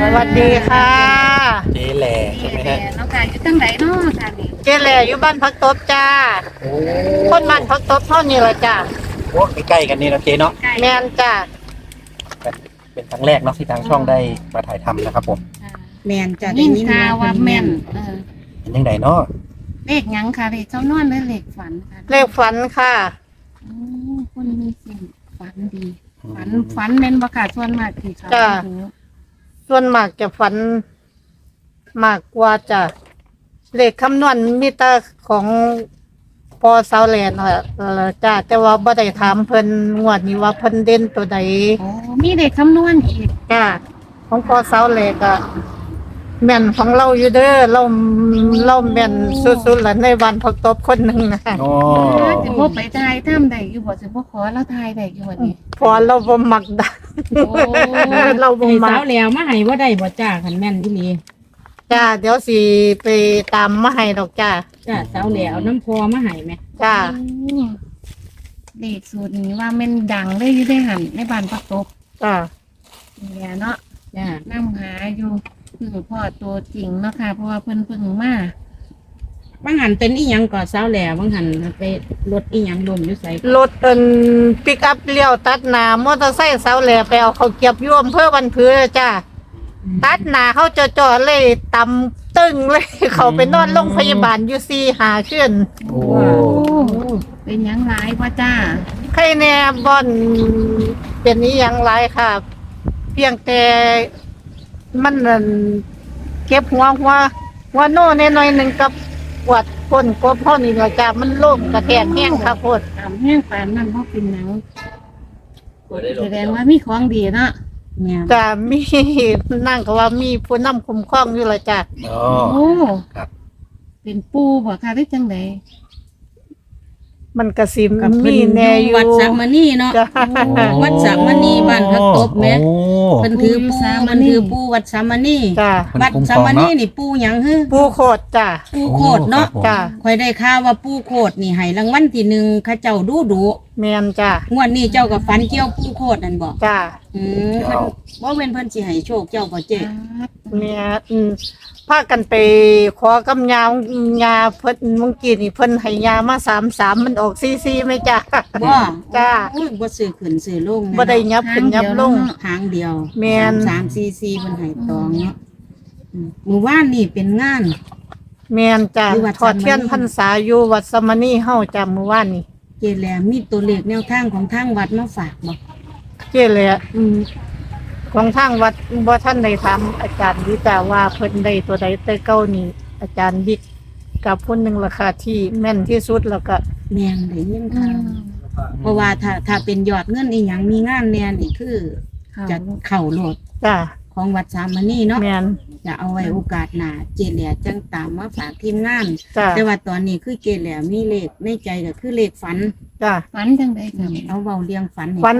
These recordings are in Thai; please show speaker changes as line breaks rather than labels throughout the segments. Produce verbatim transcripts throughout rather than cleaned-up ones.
สวัสดีค่ะ
เจ๊แหล่ใช่ไหมฮะ
น้องกายอยู่ตั้งไหนเนาะค่ะนี่
เจแหล่อยู่บ้านพักตบจ้า
โอ้
คนบ้านพักตบเท่านี้แหละจ้า
โหใกล้ๆกันนี่นะเจ๊เนาะ
แมนจ้า
เป็นครั้งแรกเนาะที่ทางช่องได้มาถ่ายทำนะครับผม
แม่นจ้ะได้ยินข่าวว่าแม่นเออ
เป็นยังไงเนาะ
เลขหยังค่ะเลขเจ้านอนหรือเลขฝันค่ะ
เลขฝันค่ะ
โอ้คนมีสิ่งฝันดีฝันฝันแม่นบ่ค่ะส่วนมากที่เขา
จ้าส่วนมากจะฝันมากกว่าจ้ะเลขคำนวณมีแต่ของพอเสาแลนค่ะจ้าแต่ว่าบ่ได้ถามเพิ่นงวดนี้ว่าเพิ่นเด่นตัวใด
โอ้มีเลขคำนวณอีก
จ้าของพอเสาแลก็แม่นของเราอยู่เด้อเราเราแม่นสุดๆล่ะในบ้านพักตบคนหนึงนะ
โอ้
สิบ่ไปทายถ้ำได้อยู่บ่สิบ่ขอเราทายได้อยู่วันนี้
พอเราบ่มักดังเราบ่มัก
สาวแล้วมาให้บ่ได้บ่จ้าคันแม่นอีหลี
จ้าเดี๋ยวสิไปตามมาให้ดอกจ้า
จ้าสาวแล้วน้ำพอมาให้แม่
จ้า
เลขสูตรนี้ว่าแม่นดังเลยอยู่ได้หั่นในบ้านพักตบ
จ้า
เนี่ยเนาะ
จ้าน
ำหาอยู่คือพ่อตัวจริงเนาะค่ะเพราะว่าเพิ่นเพิ่งมา
บางหันเป็นอีหยังก่อสาวแล้วบางหันไปรถอีหยังลมอยู่ไส
รถเอิ้นปิกอัพเลี้ยวตัดหน้ามอเตอร์ไซค์เสาแหลไปเอาเขาเก็บอยู่อำเภอบ้านผือจ้าตัดหน้าเขาจ่อๆเลยตำตึ้งเลยเขาไปนอนโรงพยาบาลอยู่สี่หาคืน
โอ้
เป็นหยังหลายพ่อจ้า
ใครแน่บ่อนเป็นอีหยังหลายค่ะเพียงแต่มันนั่นเก็บหัวหัวหัวโน่นหน่อยๆนึงกับปวดก้นกบเฮานี่ล่ะจ้ามันโล่งกระแทกแห้งค่ะโพด
ตามแห้งปานนั้นบ่เป็นหยังแสดงว่ามีของดีเนาะ
แม่
จ้ามีนั่งก็ว่ามีผู้นำคุ้มครองอยู่ล่ะจ้า
โอ้ครับ
เป็นปูบ่ค่ะหรือจังได๋
มันก็สิมีแน่อยู่
วัดสักมณีเนาะวัดสักมณีบ้านพักตบแม่เพิ่นถือปูมันถือปูวัดสักมณี
จ้า
วัดสักมณีนี่ปูหยังฮึ
ปูโคตรจ้า
ปูโคตรเนาะ
จ้า
ค่อยได้ข่าวว่าปูโคตรนี่ให้รางวัลที่หนึ่งเขาเจ้าดูดุ
แม่นจ้าง
วดนี้เจ้าก็ฝันเกี่ยวปูโคตรนั่นบ่
จ้า
อืมเพิ่นบ่แม่นเพิ่นสิให้โชคเจ้าบ่เจ๊
แม่อืมพากันไปขอกับยายาเพิ่นเมื่อกี้นี่เพิ่นให้ยามาสามสามมันออกสี่สี่มั้ยจ้า
บ่
จ้า
อุ้ยบ่ซื้อขึ้นซื้อลง
บ่ได้ยับขึ้นยับลง
ทางเดียว
แม่น
สาม สี่ สี่เพิ่นให้ตองเนาะมื้อวานนี่เป็นงาน
แม่นจ้าทอดเทียนพรรษาอยู่วัดสมณีเฮาจ้ามื้อวานนี้
เจแหลมีตัวเลขแนวทางของทางวัดมาฝากบ่
เจแหลอืมของทางวัดบ่ท่านได้ถามอาจารย์วิจาว่าเพิ่นได้ตัวใดแต่เก่านี่อาจารย์บิ๊กกับผู้นึงราคาที่แม่นที่สุดแล้วก็
แม่นได้ยินค่ะเพราะว่าถ้าถ้าเป็นยอดเงินอีหยังมีงานแน่นี่คือจะเข้าโลด
จ้า
ของวัดสามณีเนาะ
แม่น
จะเอาไว้โอกาสหน้าเจแหลจังตามมาฝากทีมงาน
แต่
ว่าตอนนี้คือเจแหลมีเลขในใจก็คือเลขฝัน
จ้า
ฝันจังได๋ค่ะ
เอาเว้าเรียงฝัน
ฝัน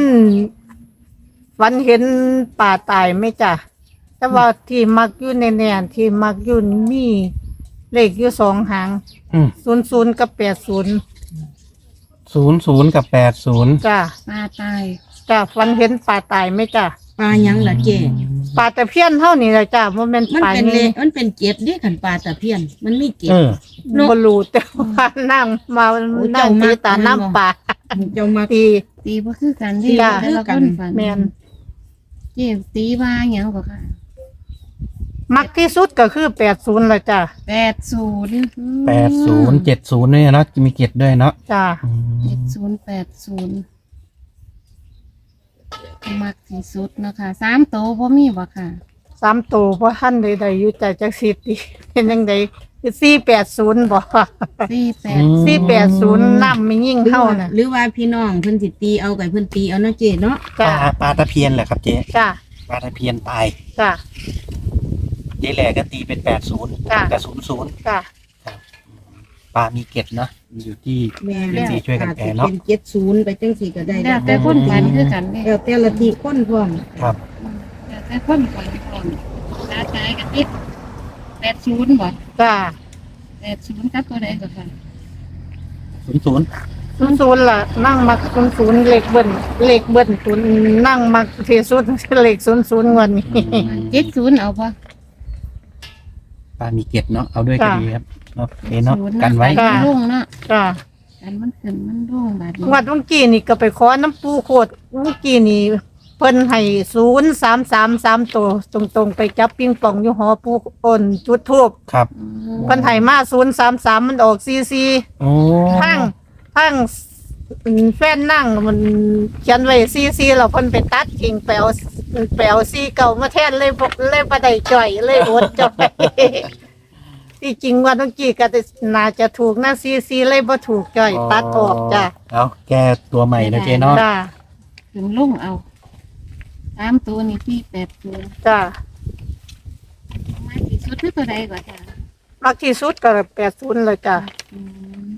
ฝันเห็นป่าตายไหมจ้ะแต่ว่าที่มักอยู่ในแนนที่มักอยู่มีเลขอยู่สองหางศูนย์ศูนย์กับแปดศูนย์
ศูนย์ศูนย์กับแปดศูนย์
จ้ะ
ป่าตาย
จ้ะฝันเห็นป่าตายไหมจ้ะ
ปลายังล่ะเจ๊
ป่าตะเพียนเท่านี้เลยจ้ะมันเป็น
มันเป็นเลมันเป็นเกล็ดดิขันปลาตะเพียนมันมีเกล็ด
บลูแต่ว่านั่งมานั่งตีตาน้ำป่า
เจ้ามา
ตี
ตีบ่คือกันที่แต่ละคนฝัน
แม่น
เจ๊ตีว่าหยังก็ค่ะ
มักที่สุดก็คือแปดศูนย์เลยจ้ะ
แปดศูนย์
แปดศูนย์เจ็ดศูนย์เนี่ยนะมีเกล็ดด้วยเนาะ
จ้ะ
เจ็ดศูนย์แปดศูนย์มักที่สุดนะคะสามโตบ่มีบ่ค่ะ
สามโตเพราะท่านใดๆอยู่แต่จักสิบดิเป็นยังไงคือสี่แปดศูนย์บ่
สี่แปด
สี่แปดศูนย์น้ำไม่ยิ่งเท่าน่ะ
หรือว่าพี่น้องเพิ่นสิตีเอาไก่เพิ่นตีเอาเนาะเจ๊เนาะ
ปลาปลาตะเพียนแหละครับเจ๊
จ้ะ
ปลาตะเพียนตาย
จ้ะ
เจ๊แหล่ก็ตีเป็นแปดศูนย์กับศูนย์ศูนย์
จ้ะ
ปลามีเกล็ดนะอยู่ที่เป็นสีช่วยกันแปลเนาะ
เป็นเจ็ดศูนย์ไปจังสี่ก็ได้
แล้วแต่คนฝันคือกัน
แล้วแต่ละทีคนพร้อม
ครับ
แล้วแต่คนฝันพร้อมตาตายกับติดแปดศูนย์บ่
จ้ะ
แปดศูนย์ครับตัวใดก็ค่ะ
ศูนย์ศูนย์
ศ
ศูนย์ศูนย์ล่ะนั่งมักศูนย์ศูนย์เลขเบิ้ลเลขเบิ้ลศูนย์นั่งมักที่สุดเลขศูนย์ศูนย์งวดนี้
เจ็ดศูนย์เอาบ่
ปลามีเกล็ดเนาะเอาด้วยก็
จ้ะ
ดีครับเนาะเอะเนาะ
ศูย์
กันไว้
มันรุ่งเนาะ
จ้า
กันมันขึ้นมันรุ่งบาดนี้
งวดเมื่อกี้นี่ก็ไปขอน้ำปูโคตรเมื่อกี้นี่เพิ่นให้ศูนย์สามสามสามตัวตรงๆไปจับปิงปองอยู่หอปูอ่นจุดทูบ
ครับ
อืม
เพิ่นให้มาศูนย์สามสามมันออกซีซี
โอ้
ทั้งทั้งแฟนนั่งมันเขียนไว้ซีซีแล้วเพิ่นไปตัดทิ้งไปเอาไปเอาซีเก่ามาแทนเลยบ่เลยบ่ได้จ่อยเลยอดจ่อย ที่จริงว่าเมื่อกี้ก็น่าจะถูกนะซีซีเลยบ่ถูกจ่อยตัดออกจ้ะ
เอาแก้ตัวใหม่นะเจ๊เนาะ
จ้า
ขึ้นรุ่งเอาสามตัวนี่ที่แปดตัว
จ้า
มาที่สุดคือตัวใดก่อนจ้ะ
มักที่สุดก็แปดศูนย์เลยจ้ะ
อืม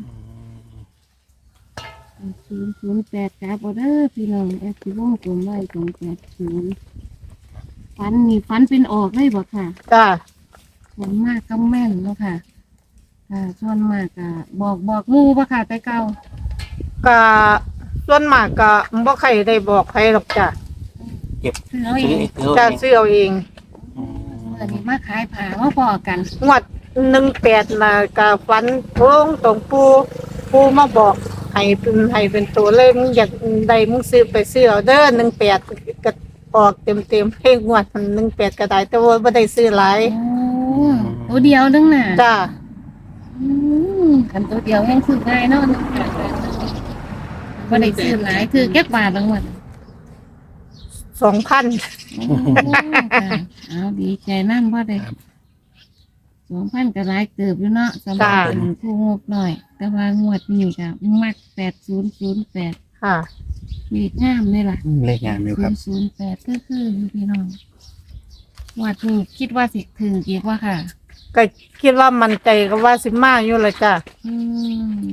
ศูนย์ศูนย์แปดจ้าบอเดอร์พี่น้องแอปที่วงกลมไว้ตรงแปดศูนย์ฟันนี่ฟันเป็นออกเลยบ่ค่ะ
จ้า
ส่วนมากก็แม่นเนาะค่ะค่ะส่วนมากก็บอกบอกหมู่บ่ค่ะแต่เก่า
ก็ส่วนมากก็บ่ใครได้บอกใครหรอกจ้ะ
คือเอาเอ
ซื้อง ซื้อ
จะ
เอง
ซื้อเอาเอง
เมื่อนี้มาขายผ้ามาพอกัน
งวดหนึ่งแปดน่ะก็ฝันโค้งตรงปูปูมาบอกให้เป็นให้เป็นตัวเลยมึงอยากได้มึงซื้อไปซื้อเอาเด้อหนึ่งแปดก็ออกเต็มเต็มๆเพลงงวดหนึ่งแปดก็ได้แต่ว่าไม่ได้ซื้อหลาย
โอ้ตัวเดียวนึงน่ะ
จ้า
อืมคันตัวเดียวยังซื้อง่ายเนาะบ่ได้ซื้อหลายคือแก๊บบาทละงวด
สองพัน
โอ้ค่ะเอาดีใจนั่นบ่ได้สองพันก็หลายเติบอยู่เนาะสำหรับเป็นผู้งบหน่อย แต่ว่างวดนี้ก็มักแปดศูนย์ศูนย์แปด
ค่ะ
มีงามเลยล่ะ
อืมเลขงานอยู่ครับ
ศูนย์แปดก็คืออยู่พี่น้องงวดนี้คิดว่าสิถึงอีกว่าค่ะ
ก็คิดว่ามันใจก็ว่าสิมาอยู่เลยจ้า
อืม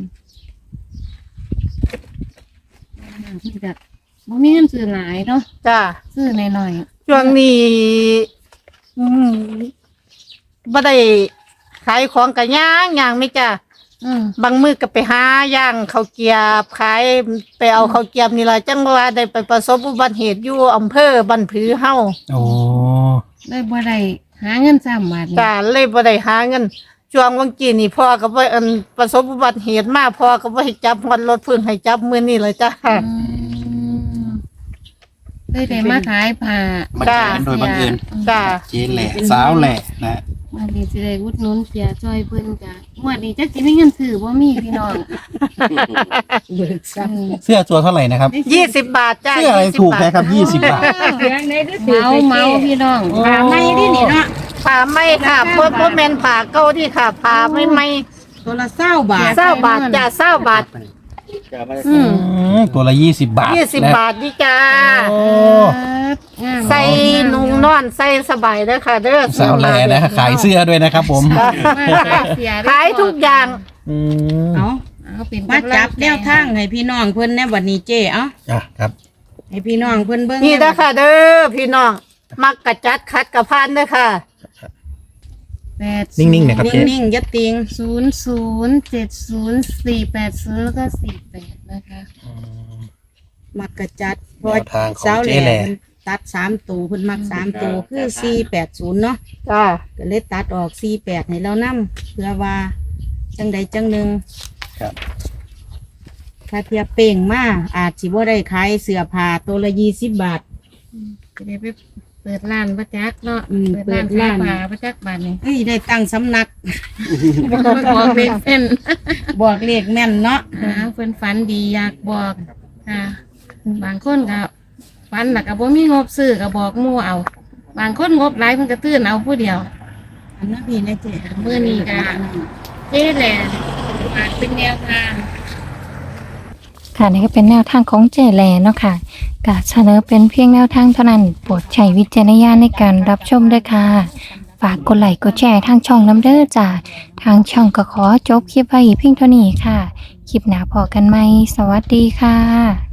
คือแบบบ่มีเงินซื้อหลายเนาะ
จ้า
ซื้อหน่อย
ช่วงนี้อืมบ่ได้ขายของกันย่างย่างไหม่จ้า
ๆอืม
บางมือก็ไปหาย่างข้าวเกรียบขายไปเอาข้าวเกรียบนี่ล่ะจังว่าได้ไปประสบอุบัติเหตุอยู่อำเภอบันผือเฮา
โอ้
เลยบ่ได้หาเงินซ้ำบาทนี่
จ้าเลยบ่ได้หาเงินช่วงวังกี้นี่พ่อก็บ่อันประสบอุบัติเหตุมาพ่อก็บ่ให้จับฮอดรถเพิ่งให้จับมื้อนี้เลยจ้า
อืมเลยได้มาขายผ้า
มาเจอกันโดยบังเอิญ
จ้า
เจ๊แหล่สาวแหล่นะ
วันนี้สิได้อุดหนุนเสียจอยเพิ่นจ้ะงวดนี้จักสิมีเงินซื้อบ่มีพี่น้องอืม
เสื้อตัวเท่าไหร่นะครับ
ยี่สิบบาทจ้า
เสื้ออะไร
ยี่สิบ
ถูก
บาท
แค่ครับยี่สิบบาท
เมาเมาพี่น้อง
ผ้าไหมดินี่เนาะ
ผ่าไหม่ค่ะเพราะเพราะแม่นผ่าเก่าที่ค่ะผ่าไม่ไหม่
ตัวละเศร้าบาท
เศร้าบาทจ้าเศร้าบาท
อืม
อืมตัวละยี่สิบบาท
ยี่สิบ
นะ
บาทนี่จ้า
โอ้
งาม
ใส่นุ่งนอนใส่สบายเด้อค่ะเด้อ
สาวแหล่นะขายเสื้อด้วยนะครับผม
มาขายเสียได้
ขายทุกอย่าง
อืม
เอา
เอาเป็น
มาจับแนวทางให้พี่น้องเพิ่นแน่บัดนี้เจ้เอ้า
อ่ะครับ
ให้พี่น้องเพิ่นเบิ่ง
นี่เด้อค่ะเด้อพี่น้องมักกะจัดคัดกะพานเด้อค่ะ
แปด
นิ่งๆนะครับเจ๊
นิ่งๆอย่าติง
ศูนย์ศูนย์เจ็ดศูนย์สี่แปดศูนย์แล้วก็สี่แปดนะคะ
มักกะจัดเพ
แน
ราะ
วทางของ
เจ้าแห
เจ๊
ล่
แหล่
เพิ่นตัดสามตัวเพิ่นมักสามตัวคือสี่แปดศูนย์เนาะ
จ้า
ก็เลยตัดออกสี่แปดให้เรานํเพื่อว่าจังใดจังหนึ่ง
ครับ
ถ้าเทียบเป่งมาอาจสิบ่ได้ขายเสื้อผ้าตัวละยี่สิบบาท
จะได้ไปเปิดร้านประจักษ์เนาะ
อืม
เปิดร้าน
เปิดร้าน
ขายผ้าประจักษ์บาทนี่
เอ้ยได้ตั้งสำนัก
บอกเป็นเป็น
บอกเลขแม่นเนาะ
หาเพิ่นฝันดีอยากบอกค่ะบางคนก็ฝันแล้วก็บ่มีงบซื้อก็บอกหมู่เอา บางคนงบหลายเพิ่นก็ตื่นเอาผู้เดียว
อันนั้นพี่นะเจ๊
มื้อนี้ก็เจ๊แหละอาจเป็นแนวทาง
ค่ะนี่ก็เป็นแนวทางของเจแลเนาะค่ะกะเสนอเป็นเพียงแนวทางเท่านั้นโปรดใช้วิจารณญาณในการรับชมด้วยค่ะ ฝากกดไลค์กดแชร์ทางช่องน้ำเด้อจ้าทางช่องก็ขอจบคลิปไว้เพียงเท่านี้ค่ะ คลิปหน้าพอกันไหมสวัสดีค่ะ